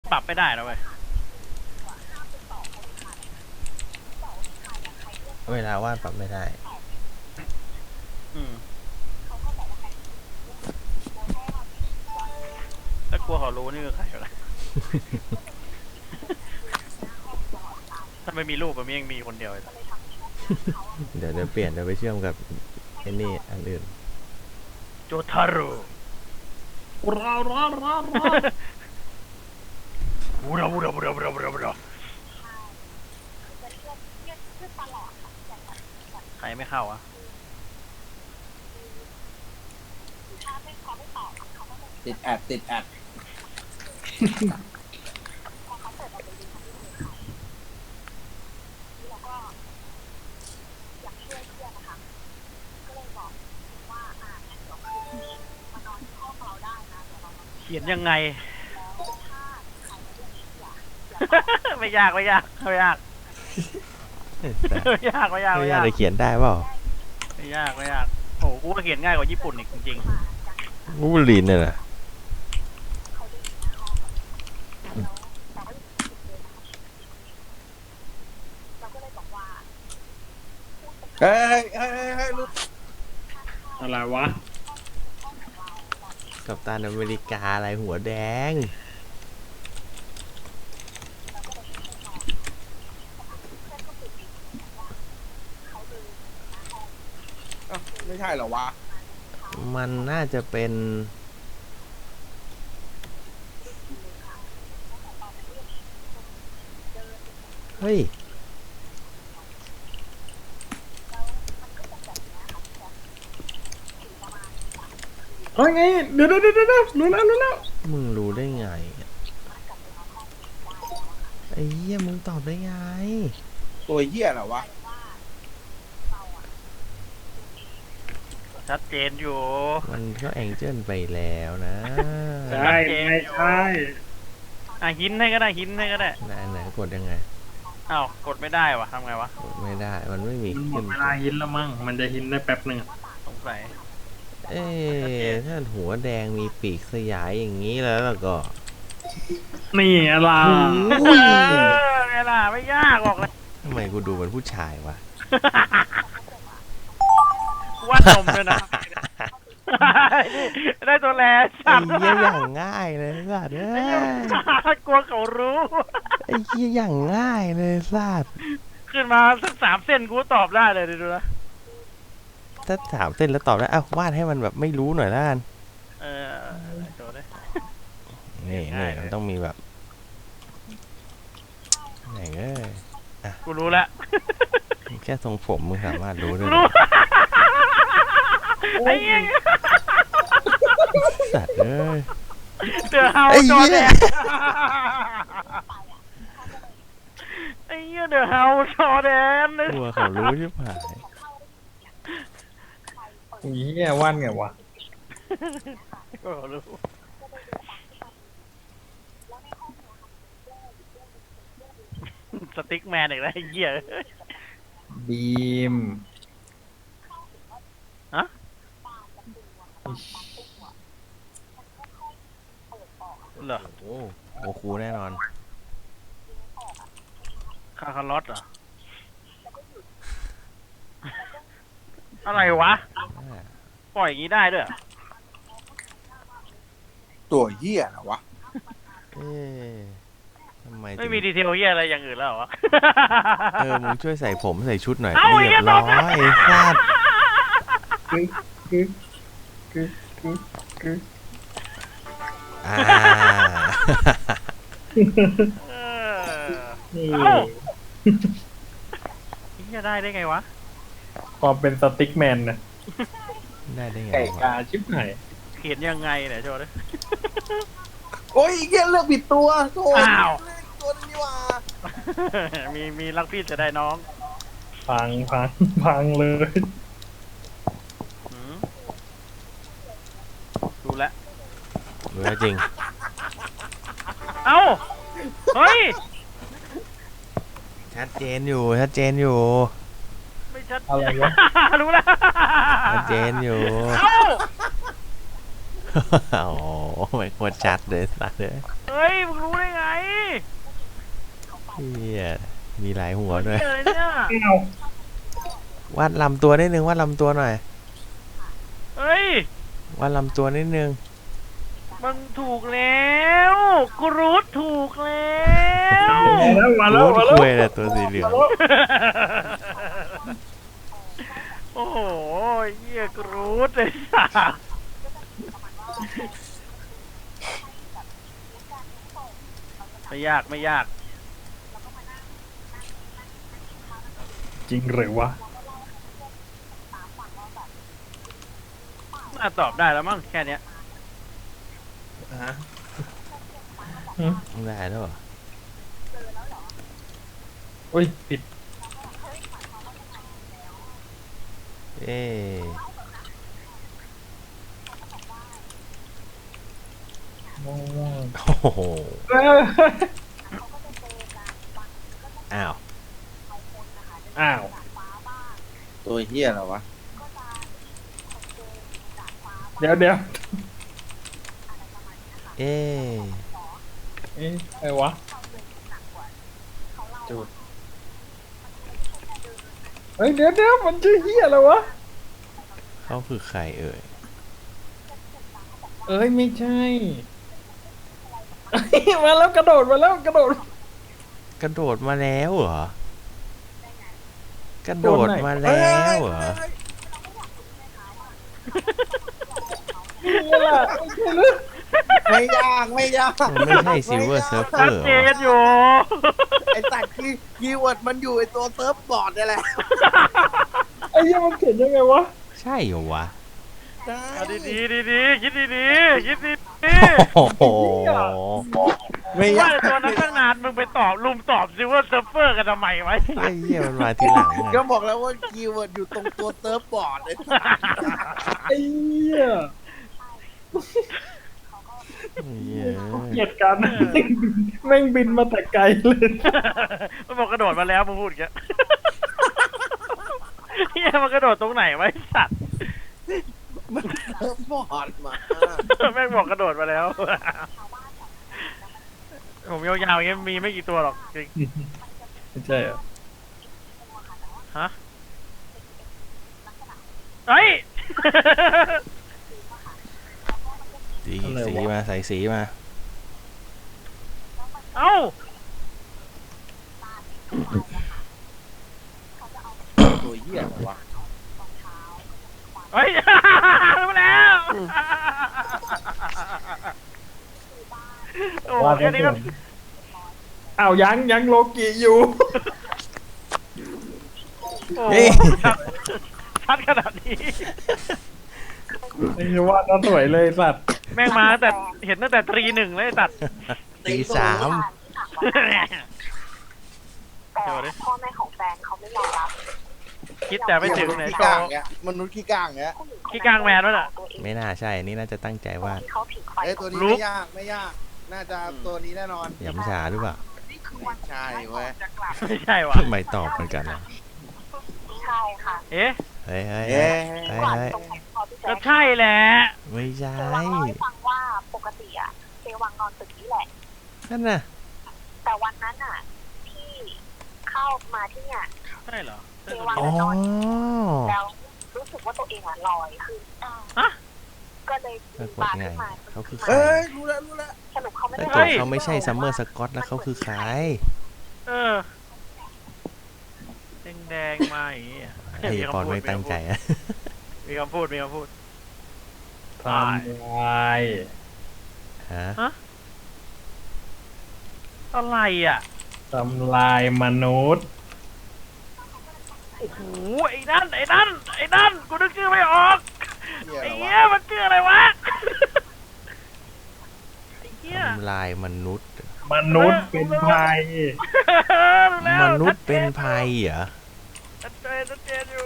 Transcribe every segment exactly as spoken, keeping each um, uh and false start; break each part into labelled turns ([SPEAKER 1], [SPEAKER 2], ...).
[SPEAKER 1] ปรับไม่ได้นะเว้ย
[SPEAKER 2] เวลาวาดปรับไม่ได้
[SPEAKER 1] อืมถ้ากลัวเขารู้นี่คือใครวะถ้าไม่มีรูปมันยังมีคนเดียวเลย
[SPEAKER 2] เดี๋ยวเดี๋ยวเปลี่ยนเดี๋ยวไปเชื่อมกับไอ้นี่อันอื่น
[SPEAKER 1] โจทารุ
[SPEAKER 3] รารารารา
[SPEAKER 1] บูราบูราบูราบูราบูราบูราใครไม่เข้าอ่ะ
[SPEAKER 3] ติดแอดติดแอด
[SPEAKER 1] เขียนยังไงไม่ยากไม่ยากไม่ยากไม่ยากไม่ยาก
[SPEAKER 2] ไม่ยากเลยเขียนได้เปล่า
[SPEAKER 1] ไม่ยากไม่ยากโอ้กูว่าเขียนง่ายกว่าญี่ปุ่นอีกจริง
[SPEAKER 2] วูบลีนเนี่ยนะ
[SPEAKER 3] เฮ้ยเฮ้ยเฮ้ยลูกอะไรวะ
[SPEAKER 2] กัปตันอเมริกาอะไรหัวแดง
[SPEAKER 3] ไม่ใช่เหรอวะ
[SPEAKER 2] มันน่าจะเป็นเฮ้ย
[SPEAKER 3] เฮ้ยไงเดี๋ยวเดี๋ยวเดี๋ยวรู้แล้วรู้แล้ว
[SPEAKER 2] มึงรู้ได้ไงไอ้เหี้ยมึงตอบได้ไง
[SPEAKER 3] ตัวเหี้ยเหรอวะ
[SPEAKER 1] ชัดเจนอยู่
[SPEAKER 2] มันก็แองเจิลไปแล้วนะ
[SPEAKER 3] ใช่ไม่ใช่
[SPEAKER 1] อ่ะหินให้ก็ได้หินให้ก็ได้
[SPEAKER 2] ไหนไหนกดยังไง
[SPEAKER 1] อ้าวกดไม่ได้วะทำไงวะ
[SPEAKER 2] กดไม่ได้มันไม่มี
[SPEAKER 3] หมดเวลาหินแล้วมั้งมันจะหินได้แป๊บหนึ่ง
[SPEAKER 1] สงสัย
[SPEAKER 2] เอ๊ะถ้าหัวแดงมีปีกสยายอย่างนี้แล้วแล้วก็
[SPEAKER 3] นี่อะไร
[SPEAKER 1] ไงล่ะไม่ยากบอกเลย
[SPEAKER 2] ทำไมกูดูเป็นผู้ชายวะ
[SPEAKER 1] ว่านมด้วยนะได้ตัวแล
[SPEAKER 2] ไอ้เหี้ยอย่างง่ายเลยสัตว์เอ้
[SPEAKER 1] ยกลัวเขารู้
[SPEAKER 2] ไอ้เหี้ยอย่างง่ายเลยสัตว์
[SPEAKER 1] ขึ้นมาสักสามเส้นกูตอบได้เลยดูนะ
[SPEAKER 2] ถ้าถามเส้นแล้วตอบได้อ้าววาดให้มันแบบไม่รู้หน่อยละกัน
[SPEAKER 1] เออโจได้
[SPEAKER 2] นี่นี่มันต้องมีแบบไหนเอ้ย
[SPEAKER 1] กูรู้แล้ว
[SPEAKER 2] แค่ทรงผมมึงสามารถรู้ได้
[SPEAKER 1] ไอ้เหี้ย
[SPEAKER 2] สัตว์เอ้ย
[SPEAKER 1] เดือดเฮาจอแดนไอ้เหี้ยเดือดเฮาจอแดน
[SPEAKER 2] กลัวเขารู้ใช่ไหม
[SPEAKER 3] นี่แกว่านไงวะ
[SPEAKER 1] ก็รู้สติ๊กแมนอีกแล้วไอ้เหี้ย
[SPEAKER 3] บีม
[SPEAKER 1] ฮะเหรอ
[SPEAKER 2] โอ้โหคูแน่นอน
[SPEAKER 1] คาคาร์ลอสเหรออะไรวะปล่อยอย่างนี้ได้ด้วย
[SPEAKER 3] ตัวเหี้ยเหรอวะ
[SPEAKER 2] เอ๊ะทำไม
[SPEAKER 1] ไม่มีดีเทลเหี้ยอะไรอย่างอื่นแล้วเหรอ
[SPEAKER 2] เออมึงช่วยใส่ผมใส่ชุดหน่อยเรียบร้อยฟาด
[SPEAKER 3] คือคือคือคือคือ
[SPEAKER 2] อ่า
[SPEAKER 1] เอ้าจะได้ได้ไงวะ
[SPEAKER 3] ความเป็นสติ๊กแมนนะ
[SPEAKER 2] ได้ได้ไง
[SPEAKER 3] ไก่กาชิบหาย
[SPEAKER 1] เขียนยังไงเนี่ยโชว์ด้วย
[SPEAKER 3] โอ้ยแค่เลือกผิดตัวโธ่
[SPEAKER 1] อ้าว
[SPEAKER 3] ตัวนี้ว่า
[SPEAKER 1] มีมีรักพี่จะได้น้อง
[SPEAKER 3] พังพังพังเลย
[SPEAKER 1] ดูแล
[SPEAKER 2] ดูแล้วจริง
[SPEAKER 1] เอ้าเฮ้ย
[SPEAKER 2] ชัดเจนอยู่ชัดเจนอยู่
[SPEAKER 1] ไม่ชัด
[SPEAKER 3] อะไรวะ
[SPEAKER 1] รู้แล้ว
[SPEAKER 2] ชัดเจนอยู่
[SPEAKER 1] เอ้า
[SPEAKER 2] โอ้ไม่ควรชัดเลยสัตว์เลย
[SPEAKER 1] เฮ้ยมึงรู้ได้ไง
[SPEAKER 2] เฮียมีหลายหัวด้วย
[SPEAKER 1] เจอเนี่ย
[SPEAKER 3] เอา
[SPEAKER 2] วาดลำตัวนิดนึงวาดลำตัวหน่อย
[SPEAKER 1] เฮ้ยว
[SPEAKER 2] าดลำตัวนิดนึง
[SPEAKER 1] มันถูกแล้วกรูดถูกแล้ว
[SPEAKER 3] มาแล้วมาแล้วมาแล้ว
[SPEAKER 2] คุยแต่ตัวสีเหลือง
[SPEAKER 1] โอ้โหเหี้ยกรูดเลยสัสไม่ยากไม่ยาก
[SPEAKER 3] จริงหรือวะ
[SPEAKER 1] น่าตอบได้แล้วมั้งแค่เนี้ย
[SPEAKER 3] ฮะ
[SPEAKER 2] ได้แล้วเหรอ
[SPEAKER 3] อุ้ยผิด
[SPEAKER 2] เอ๊ะ
[SPEAKER 3] ม่วง
[SPEAKER 2] โอ้โห
[SPEAKER 3] เอ้ย
[SPEAKER 2] อ้าว
[SPEAKER 3] อ้าว
[SPEAKER 4] ตัวเฮียเหรอวะ
[SPEAKER 3] เดี๋ยวเดี๋ยว
[SPEAKER 2] เอ๊ะ
[SPEAKER 3] เอ๊ะอะไรวะจุดเฮ้ยเดี๋ยวเดี๋ยวมันชื่อเฮียอะไรวะ
[SPEAKER 2] เขาคือใครเอ่ย
[SPEAKER 3] เอ้ยไม่ใช่เอ้ยมาแล้วกระโดดมาแล้วกระโดด
[SPEAKER 2] กระโดดมาแล้วเหรอ กระโดดมาแล้วเหรอ
[SPEAKER 3] นี่แหละไม่ใช่หรือ
[SPEAKER 4] ไม่ยากไม่ยาก
[SPEAKER 2] มันไม่ใช่ซิลเวอร์เซิร์ฟเว
[SPEAKER 1] ชั
[SPEAKER 2] อ
[SPEAKER 1] ด
[SPEAKER 2] ร์
[SPEAKER 1] เจนอยู่
[SPEAKER 4] ไอ้ตัดคีย์คีย์เวิร์ดมันอยู่ไอ้ตัวเซิร์ฟบอร์ดนี่แหละ
[SPEAKER 3] ไอ้เหี้ยมันเขียนยังไงวะ
[SPEAKER 2] ใช่เหรอวะ
[SPEAKER 4] ใช่
[SPEAKER 1] เอาดีดีดีดีๆคิดดีดีๆคิดดีดี
[SPEAKER 2] โอ้โห
[SPEAKER 4] ไม่
[SPEAKER 1] ว่าย
[SPEAKER 4] าก
[SPEAKER 1] ตัวนั้นตั้งนานมึงไปตอบลุมตอบซิว่าเซิร์ฟเวอร์กันทำไมไว้
[SPEAKER 2] ไอ้เหี้ยมันมาทีหลังอะ
[SPEAKER 4] ก็บอกแล้วว่าคีย์เวิร์ดอยู่ตรงตัวเซิร์ฟบอร์ดเลย
[SPEAKER 3] ไอ้เหี้ย
[SPEAKER 2] เหี้ย
[SPEAKER 3] เกลียดกันแม่งบินมาแต่ไกลเลย
[SPEAKER 1] มันบอกกระโดดมาแล้วมึงพูดแกเฮียมันกระโดดตรงไหนไว้สัตว์
[SPEAKER 4] มันเซิร์ฟบอร์ดมา
[SPEAKER 1] แม่งบอกกระโดดมาแล้วผมยาวๆอย่างเงี้ยมีไม่กี่ตัวหรอกจริง
[SPEAKER 3] ไม่ใช่เหรอ
[SPEAKER 1] ฮะเฮ้ย
[SPEAKER 2] สีสีมาใส่สีมา
[SPEAKER 1] เอ้า
[SPEAKER 4] ตัวเฮียเหรอวะ
[SPEAKER 1] เฮ้ย รู้แล้ว โอ้
[SPEAKER 3] ว่า
[SPEAKER 1] แค่นี้ก็
[SPEAKER 3] อ้าวยังยังโลกิอยู่
[SPEAKER 1] โอ้
[SPEAKER 2] เฮ้ย
[SPEAKER 1] ชัดชัดขนาดนี้
[SPEAKER 3] ไอ้ว่าน่าสวยเลยสัตว์
[SPEAKER 1] แม่งมาตั้งแต่เห็นตั้งแต่ตรีหนึ่งเลยไอ้ตัด
[SPEAKER 2] ตีสาม
[SPEAKER 5] แต่พ่อแม่ของแฟนเขาไม่ยอมรับ
[SPEAKER 1] คิดแต่ไม่ถึงไหน
[SPEAKER 4] ขี้
[SPEAKER 1] โช
[SPEAKER 4] ก้าง
[SPEAKER 1] ว์
[SPEAKER 4] เงี้ยมนุษย์ขี้ก้างเงี้ย
[SPEAKER 1] ขี้กลางแมนวะน่ะ
[SPEAKER 2] ไม่น่าใช่ นี่น่าจะตั้งใจว่าด
[SPEAKER 5] ที่เขาผิงไฟ
[SPEAKER 4] เอ้ยตัวนี้
[SPEAKER 1] ลุก
[SPEAKER 4] ไม่ยากไม่ยาก น่าจะตัวนี้แน่นอน
[SPEAKER 2] หยำฉาหรือเปล่า
[SPEAKER 4] ไม่ใช่เว้ย
[SPEAKER 1] ไม่ใช่วะ
[SPEAKER 2] ไม่ตอบเหมือนกันนะ
[SPEAKER 5] ใช่ค่ะ
[SPEAKER 1] เอ๊ะ
[SPEAKER 2] เฮ้ยเฮ้ย
[SPEAKER 4] เอ๊
[SPEAKER 2] เฮ้ย
[SPEAKER 4] ะ
[SPEAKER 2] เฮ้ย
[SPEAKER 5] ตรงไหนพอพี่
[SPEAKER 1] ก็
[SPEAKER 5] แจ๊ค
[SPEAKER 1] ใช่แหละ
[SPEAKER 2] ไม่ใช่
[SPEAKER 5] เจวังเล่าให้ฟังว่าปกติอะเจวังนอนตึกนี้แหละ
[SPEAKER 2] นั่นน่ะ
[SPEAKER 5] แต่วันนั้นอะที่เข้ามาที่เนี่ย
[SPEAKER 1] ใช่เหรอ
[SPEAKER 5] เจวัง
[SPEAKER 2] อ๋อ
[SPEAKER 5] จะนอนแล้วรู้สึกว่าตัวเองอะลอยขึ้น
[SPEAKER 1] ฮะ
[SPEAKER 5] ก็เลย
[SPEAKER 2] ปรากฏ
[SPEAKER 5] บา
[SPEAKER 2] ไง
[SPEAKER 5] ขึ้นมา
[SPEAKER 2] เขาคือใคร
[SPEAKER 4] เอ้ยรู้แล้วรู้แล้ว
[SPEAKER 5] สรุปเขาไม่
[SPEAKER 2] แต่
[SPEAKER 5] ได้
[SPEAKER 2] ก่อนเขาไม่ใช่ซัมเมอร์สกอตแล้วเขาคือใคร
[SPEAKER 1] เออแดงแดงๆมาอย่างงี้
[SPEAKER 2] ไอ้ปอนไม่ตั้งใจอะ
[SPEAKER 1] มีคำพูดมีคำพูด
[SPEAKER 3] ทำลาย
[SPEAKER 2] ฮะ
[SPEAKER 1] อะไรอ่ะ
[SPEAKER 3] ทำลายมนุษย์
[SPEAKER 1] โอ้โหไอ้นั่นไอ้นั่นไอ้นั่นกูนึกชื่อไม่ออก
[SPEAKER 4] เฮีย
[SPEAKER 1] ไอ้
[SPEAKER 4] เหรอ
[SPEAKER 1] เหี้
[SPEAKER 4] วะ
[SPEAKER 1] ยมันชื่ออะไรวะไอ้เหี้ย
[SPEAKER 2] ทำลายมนุษย์
[SPEAKER 3] มนุษย์เป็นภัย
[SPEAKER 1] รู้แล้ว
[SPEAKER 2] มนุษย์เป็นภัยเหรอ
[SPEAKER 1] ชัดเจนชัดเจนอยู่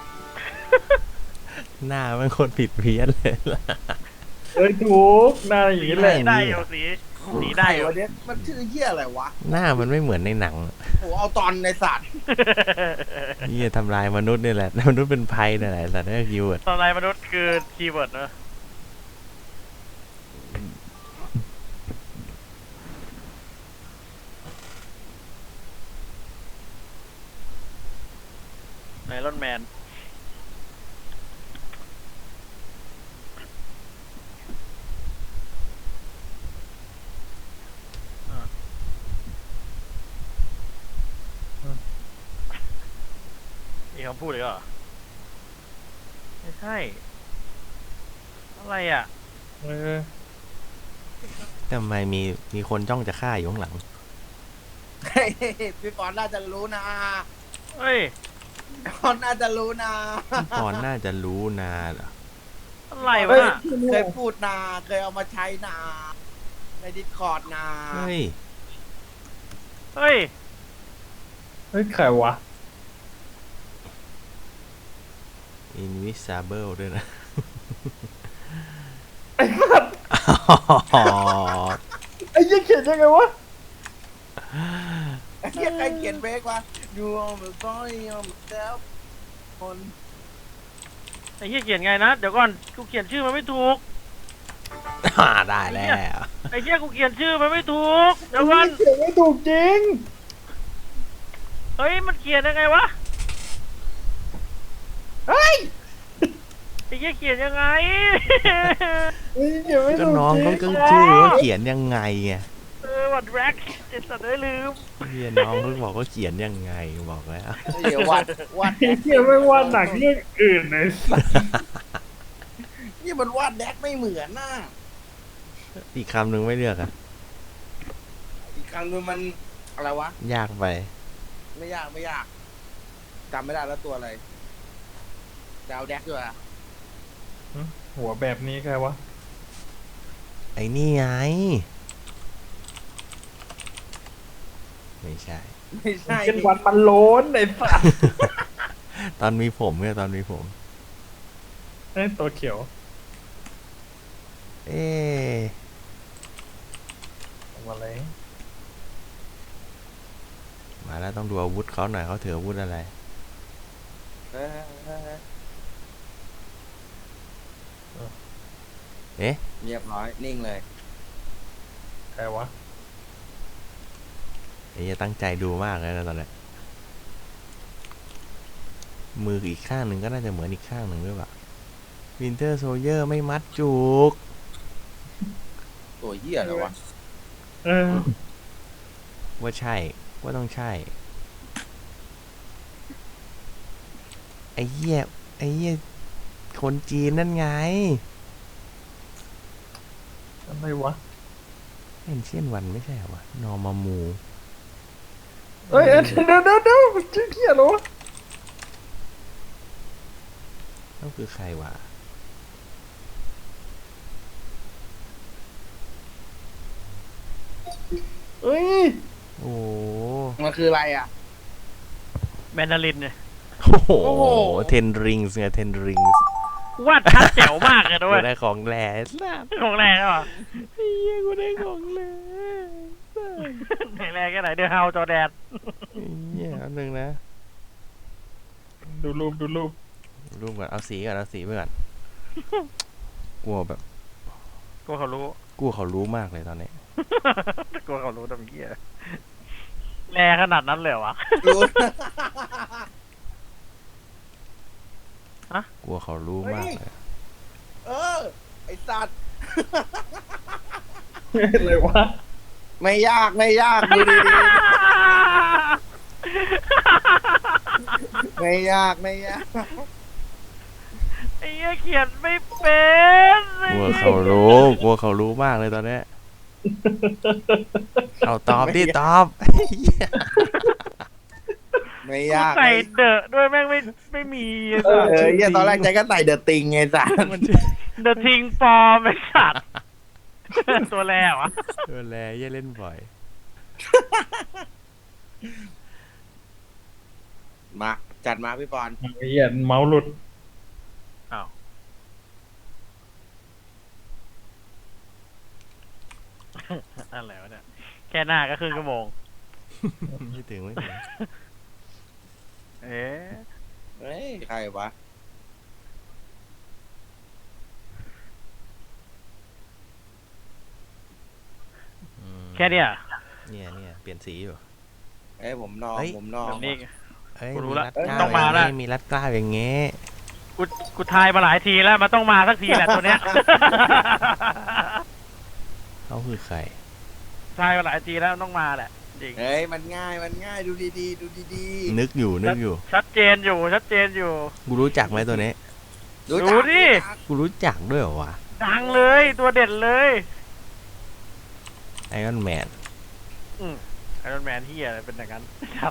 [SPEAKER 2] หน้ามันคนผิดเพี้ยนเลยล่ะ
[SPEAKER 3] เอ้ยถูกหน้าอย่างนี้เลย
[SPEAKER 2] ไม่
[SPEAKER 1] ได้อยู่สีสีได้อยู่
[SPEAKER 4] วันนี้มันชื่อเฮียอะไรวะ
[SPEAKER 2] หน้ามันไม่เหมือนในหนัง
[SPEAKER 4] โหเอาตอนในสัตว์
[SPEAKER 2] นี่ทำลายมนุษย์นี่แหละ มนุษย์เป็นภัยนี่แหละแต่นั่นคือคีย์เวิร์ด
[SPEAKER 1] ตอนไรมนุษย์คือคีย์เวิร์ดเนอะรอนแมนมีคำพูดอีกเหรอไม่ใช่อะไรอ่ะ
[SPEAKER 6] เออ
[SPEAKER 2] ทำไมมีมีคนจ้องจะฆ่าอยู่ข้างหลัง
[SPEAKER 4] เฮ้ยพี่ปอนน่าจะรู้นะ
[SPEAKER 1] เฮ้ย
[SPEAKER 4] พี่ปอนน่าจะรู้นะ
[SPEAKER 2] พี่ปอนน่าจะรู้นาเหรอ
[SPEAKER 1] อะไร
[SPEAKER 6] เฮ้
[SPEAKER 1] วะ
[SPEAKER 6] ย
[SPEAKER 1] น่ะ
[SPEAKER 4] เคยพูดนาเคยเอามาใช้นาในดิสคอร์ดนา
[SPEAKER 2] เฮ้ย
[SPEAKER 1] เฮ้ย
[SPEAKER 6] เฮ้ยใครวะ
[SPEAKER 2] invisible ด้วยนะ
[SPEAKER 6] ไอ้ยี่เขียนยังไงวะ
[SPEAKER 4] ไอ้เหี้ยใครเขียนเบรกวะ You are the boy of myself คน
[SPEAKER 1] ไอ้เหี้ยเขียนไงนะ เดี๋ยวก่อน กูเขียนชื่อมันไม่ถูก
[SPEAKER 2] อ่าได้แล้ว
[SPEAKER 1] ไอ้เหี้ยกูเขียนชื่อมันไม่ถูก เดี๋ยวก่อน
[SPEAKER 6] เขียนไม่ถูกจริง
[SPEAKER 1] เฮ้ย มันเขียนยังไงวะ
[SPEAKER 6] เฮ้ย
[SPEAKER 1] ไอ้เหี้ยเขียนยังไง
[SPEAKER 6] เฮ้ยเขียนไม่
[SPEAKER 2] ก็
[SPEAKER 6] ถูก
[SPEAKER 2] น้อง
[SPEAKER 6] จริ
[SPEAKER 2] เขา
[SPEAKER 6] ง
[SPEAKER 2] ก็ชื่อว่าเขียนยังไงไง
[SPEAKER 1] เออวัดแร็กเจ็ดสัตว์ได้ลืม
[SPEAKER 2] เฮียน้องเขาบอกว่าเขียนยังไงบอกแล้ว
[SPEAKER 4] เดี๋ยววัดวัด
[SPEAKER 6] ไอ้เขียนไม่ว่าหนักเรื่องอื่นเลยสัส
[SPEAKER 4] นี่มันวาดแดกไม่เหมือนน่ะ
[SPEAKER 2] อีกคำหนึ่งไม่เลือกอะ
[SPEAKER 4] อีกครั้งนึงมันอะไรวะ
[SPEAKER 2] ยากไป
[SPEAKER 4] ไม่ยากไม่ยากจำไม่ได้แล้วตัวอะไรดาวแดกด้วยอะ
[SPEAKER 6] หัวแบบนี้ใครวะ
[SPEAKER 2] ไอ้นี่ไง ไม่ใช่
[SPEAKER 4] ไม่ใช่
[SPEAKER 6] เป็นวันมันโล้นไอ้สัส
[SPEAKER 2] ตอนมีผมไงตอนมีผม
[SPEAKER 6] ไอ้ตัวเขียว
[SPEAKER 2] เอ๊ะ
[SPEAKER 6] อะไร
[SPEAKER 2] มาแล้วต้องดูอาวุธเขาหน่อยเขาถืออาวุธอะไร
[SPEAKER 4] เออเออเออ
[SPEAKER 2] เอ๊ะ
[SPEAKER 4] เรียบร้อยนิ่งเลย
[SPEAKER 6] ใครวะ
[SPEAKER 2] ไอ้จะตั้งใจดูมากเลยนะตอนนี้มืออีกข้างหนึ่งก็น่าจะเหมือนอีกข้างหนึ่งด้วยป่ะวินเทอร์โซเยอร์ไม่มัดจุก
[SPEAKER 4] ตัวเหี้ยอะไรวะ
[SPEAKER 6] เออ
[SPEAKER 2] ว่าใช่ ว่าต้องใช่ ไอ้เหี้ยไอ้เหี้ยคนจีนนั่นไง
[SPEAKER 6] อะไรวะ
[SPEAKER 2] เอ็นเชียนวันไม่ใช่เหรอวะนอร์มามู
[SPEAKER 6] เอ้ยเอ้ยเดี๋ยวเดี๋ยวเดี๋ยวชื่อเขียนเหรอวะ
[SPEAKER 2] นั่นคือใครวะ
[SPEAKER 6] เอ้ย
[SPEAKER 2] โอ้
[SPEAKER 4] มันคืออะไรอ่ะ
[SPEAKER 1] แมนดารินเนี่ย
[SPEAKER 2] โอ้โห
[SPEAKER 4] โอ้โห
[SPEAKER 2] เทนริงส์ไงเทนริงส์
[SPEAKER 1] วาดชัดแจ๋วมากเลยด้
[SPEAKER 2] กู
[SPEAKER 1] วย
[SPEAKER 2] ได้ของแหล่สัส
[SPEAKER 1] ของแรงอ่ะ
[SPEAKER 2] ไอ้เหี้ยกูได้ของแหล่สัส
[SPEAKER 1] ไหนแรงแค่ไหนเดือดเฮาจอแดน
[SPEAKER 2] ไอ้เหี้ยอันหนึ่งนะ
[SPEAKER 6] ดูรูปดูรูป
[SPEAKER 2] รูปก่อนเอาสีก่อนเอาสีไปก่อนกลัวแบบ
[SPEAKER 1] กลัวเขารู้
[SPEAKER 2] กลัวเขารู้มากเลยตอนนี้
[SPEAKER 1] กลัวเขารู้ทำเหี้ยแรงขนาดนั้นเลยเหรอวะ
[SPEAKER 4] รู้
[SPEAKER 2] กลัวเขารู้มากเลย
[SPEAKER 4] เออ ไอสัตว์
[SPEAKER 6] อะไรวะ
[SPEAKER 4] ไม่ยากไม่ยากดูดีๆไม่ยากไม่ยาก
[SPEAKER 1] ไอ้เหี้ยเขียนไม่เป็น
[SPEAKER 2] กลัวเขารู้กลัวเขารู้มากเลยตอนนี้เอาตอบดิตอบไอ้เหี้ย
[SPEAKER 4] ไม่
[SPEAKER 1] กู
[SPEAKER 4] ยาก
[SPEAKER 1] ใส่เดอะด้วยแม่งไม่ไม่มีไอ้
[SPEAKER 4] เอ
[SPEAKER 1] สั
[SPEAKER 4] อ
[SPEAKER 1] ส
[SPEAKER 4] เหี้ยตอนแรกใจก็ใส่เดอะติงไงสัตว์
[SPEAKER 2] มันจะ
[SPEAKER 1] เดอะทิงฟอร์มไอ้สัตว์ตัวแรกวะ
[SPEAKER 2] เออแลเหี้ยเล่นบ่อย
[SPEAKER 4] มาจัดมาพี่ปอน
[SPEAKER 6] ไอ้เหี้ยเมาส์หลุด
[SPEAKER 1] อ้าวอะไรวะเนี่ยแค่หน้าก็ครึ่งชั่วโมง
[SPEAKER 2] ไม่ถึงไม่ถึง
[SPEAKER 1] เอ๊ะ
[SPEAKER 4] เฮ้ยใครวะ
[SPEAKER 2] อืม
[SPEAKER 1] แค่เนี้ย
[SPEAKER 2] เนี่ยเนี่ยเปลี่ยนสีอยู่
[SPEAKER 4] เอ้ยผมนอง
[SPEAKER 2] เฮ้ย
[SPEAKER 4] ผมนอง
[SPEAKER 1] แบบนี้
[SPEAKER 2] เอ้ย
[SPEAKER 1] กูรู้
[SPEAKER 2] มี
[SPEAKER 1] ละ
[SPEAKER 2] รัดเกล้า
[SPEAKER 1] ต้องมา
[SPEAKER 2] อย่ง
[SPEAKER 1] ละ
[SPEAKER 2] งี้มีรัดเกล้าอย่างงี้
[SPEAKER 1] กูกูทายมาหลายทีแล้วมันต้องมาสักทีแหละตัวเนี้ย
[SPEAKER 2] เขาคือใคร
[SPEAKER 1] ทายมาหลายทีแล้วมันต้องมาแหละจริง
[SPEAKER 4] เฮ้ยมันง่ายมันง่ายดูดีๆดูดี
[SPEAKER 2] นึกอยู่นึกอยู่
[SPEAKER 1] ชัดเจนอยู่ชัดเจนอยู่
[SPEAKER 2] กูรู้จักไหมตัวนี้
[SPEAKER 4] ๆ
[SPEAKER 1] ดู
[SPEAKER 4] จัก
[SPEAKER 1] ดิ
[SPEAKER 4] รู้จัก
[SPEAKER 2] กูรู้จักด้วยเหรอวะ
[SPEAKER 1] ดังเลยตัวเด่นเลย
[SPEAKER 2] ไอรอนแมน
[SPEAKER 1] ไอรอนแมนที่อะไรเป็นอย่างนั้นครับ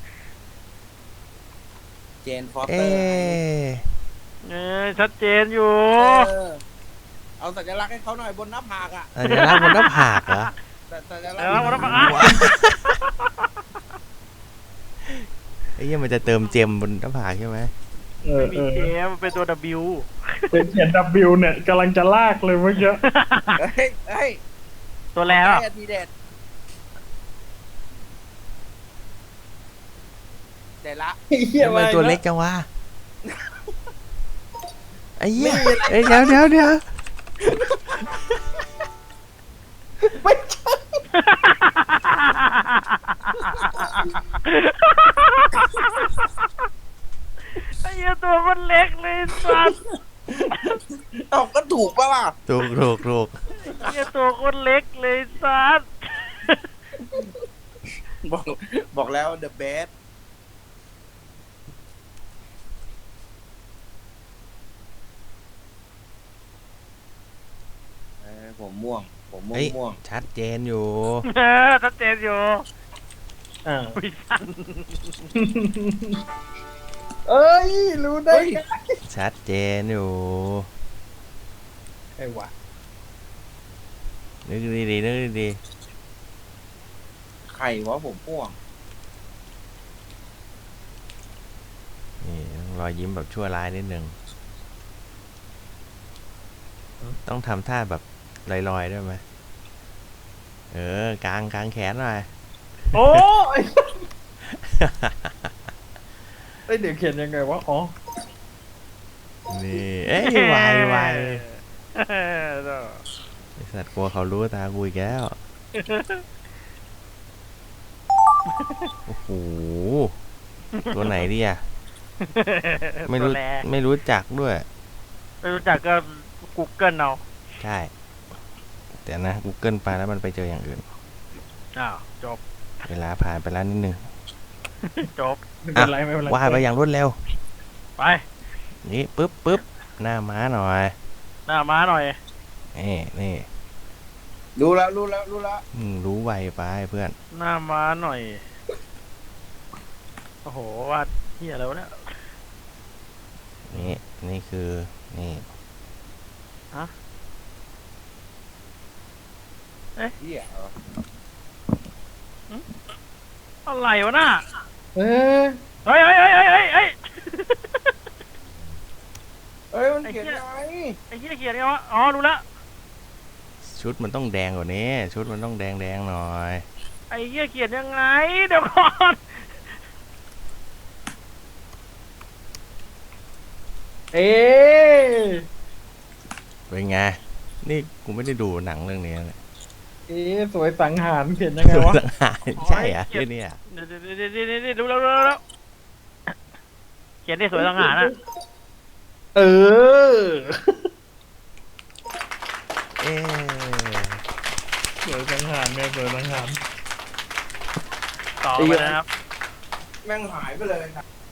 [SPEAKER 4] เจนฟอสเต
[SPEAKER 2] เอ๊
[SPEAKER 4] อร์
[SPEAKER 2] ะ
[SPEAKER 1] เออชัดเจนอยู่
[SPEAKER 4] เออเอาสัญลักษณ์ให้เขาหน่อยบนหน้าผากอ่ะ
[SPEAKER 2] สัญลักษณ์บนหน้าผากเหรอ
[SPEAKER 4] สัสัญลักษ
[SPEAKER 1] แล้วมัน
[SPEAKER 4] ณ์
[SPEAKER 1] ต้องมา
[SPEAKER 2] ไอ้เหี้ยมันจะเติมเจมบนหน้าผากใช่ไหม
[SPEAKER 6] เออ
[SPEAKER 1] ไม่
[SPEAKER 6] เอ
[SPEAKER 1] มี
[SPEAKER 6] อ
[SPEAKER 1] เกมเป็นตัว W
[SPEAKER 6] เป็นเขียน W เนี่ยกำลังจะลากเลยเมื่อกี้
[SPEAKER 4] เฮ้ยเฮ้ย
[SPEAKER 1] ตัวแล้ว
[SPEAKER 4] ได้ทีเด็ดเด็ดละ
[SPEAKER 6] เฮีย
[SPEAKER 2] ทำไม
[SPEAKER 6] มา
[SPEAKER 2] ตัวเล็กจังวะไอ้เหี้ยเอ้ยเดี๋ยวเดี๋ยวเดี๋ยว
[SPEAKER 6] ไม่ใช่
[SPEAKER 1] ไอ้เหี้ยตัวมันเล็กเลยสัส
[SPEAKER 4] เอาก็ถูกปะล่ะ
[SPEAKER 2] ถูกถูกถูก
[SPEAKER 1] ไอ้เหี้ยตัวคนเล็กเลยสัส
[SPEAKER 4] บอกบอกแล้ว the best เอ้ยผมม่วง ผมม่วง
[SPEAKER 2] เฮ้ย
[SPEAKER 4] ม่วง
[SPEAKER 2] ชัดเจนอยู่
[SPEAKER 1] เออชัดเจนอยู่
[SPEAKER 6] อ่า
[SPEAKER 1] วิสัน
[SPEAKER 6] เอ้ย รู้ได้ไง
[SPEAKER 2] ชัดเจนอยู่
[SPEAKER 6] ไอ้วะ
[SPEAKER 2] นึกดีๆนึกดี
[SPEAKER 4] ใครวะผมม่วง
[SPEAKER 2] ๆนี่ต้องรอยยิ้มแบบชั่วร้ายนิดนึงต้องทำท่าแบบลอยๆด้วยไหมเออกางกางแขนหน่อย
[SPEAKER 6] โอ้ยเอ้ยเดี๋ยวเขียนยังไงวะ อ๋อ
[SPEAKER 2] นี่เอ้ยไวไว
[SPEAKER 1] เออ
[SPEAKER 2] ไอ้สัตว์กลัวเขารู้ตากูอีกแล้ว โอ้โห ตัวไหนดีอ่ะ ไม่รู้
[SPEAKER 1] ตัวแล
[SPEAKER 2] ไม่รู้จักด้วย
[SPEAKER 1] ไม่รู้จักก็กูเกิลเอา
[SPEAKER 2] ใช่ แต่นะ Google ไปแล้วมันไปเจออย่างอื่น
[SPEAKER 1] อ้าวจบ
[SPEAKER 2] เวลาผ่านไปแล้วนิดนึง
[SPEAKER 1] จบ
[SPEAKER 6] ไม่เป็นไรไม่เป็นไร
[SPEAKER 2] ว่าไปอย่างรวดเร็ว
[SPEAKER 1] ไป
[SPEAKER 2] นี่ปึ๊บปึ๊บหน้าม้าหน่อย
[SPEAKER 1] หน้าม้าหน่อย
[SPEAKER 2] นี่นี่
[SPEAKER 4] รู้แล้วรู้แล้วรู้แล้ว
[SPEAKER 2] อืมรู้ไวไปเพื่อน
[SPEAKER 1] หน้าม้าหน่อยโอ้โหวาดเฮียอะไรวะเนี่ย
[SPEAKER 2] นี่นี่คือนี่
[SPEAKER 4] เหี้ยเหรอ
[SPEAKER 1] อะไรวะน่ะ
[SPEAKER 6] เอ้ย
[SPEAKER 1] เฮ้ยเฮ้ยเฮ้ยเฮ้ยเฮ้ยเฮ้ย
[SPEAKER 4] เอ้ยมันเขียน
[SPEAKER 1] ไอ้เหี้ย
[SPEAKER 4] ยังไง
[SPEAKER 1] ไอ้เฮียเขียนไงวะอ๋อรู้ละ
[SPEAKER 2] ชุดมันต้องแดงกว่านี้ ชุดมันต้องแดงแดงๆหน่อย
[SPEAKER 1] ไอ้เฮียเขียนยังไงเดี๋ยวก่อน
[SPEAKER 6] เอ๊ะ
[SPEAKER 2] เป็นไง นี่กูไม่ได้ดูหนังเรื่องนี้เลย
[SPEAKER 6] เอ๊ะสวยสังหารเขียนยังไงวะ
[SPEAKER 2] สังหารใช่เหรอะเรื่องนี้อะ
[SPEAKER 1] เดี๋ยวเดี๋ยวเดี๋ยวเดี๋ยวเดี๋ยวรู้แล้วรู้แล้วรู้แล้วเขียนได้สวยสังหารอ่ะ
[SPEAKER 6] เออ
[SPEAKER 2] เอ๊ะ
[SPEAKER 6] สวยสังหารเนี่ยสวยสังหาร
[SPEAKER 1] ต่อไปนะครับ
[SPEAKER 4] แม่งหายไปเลยครับ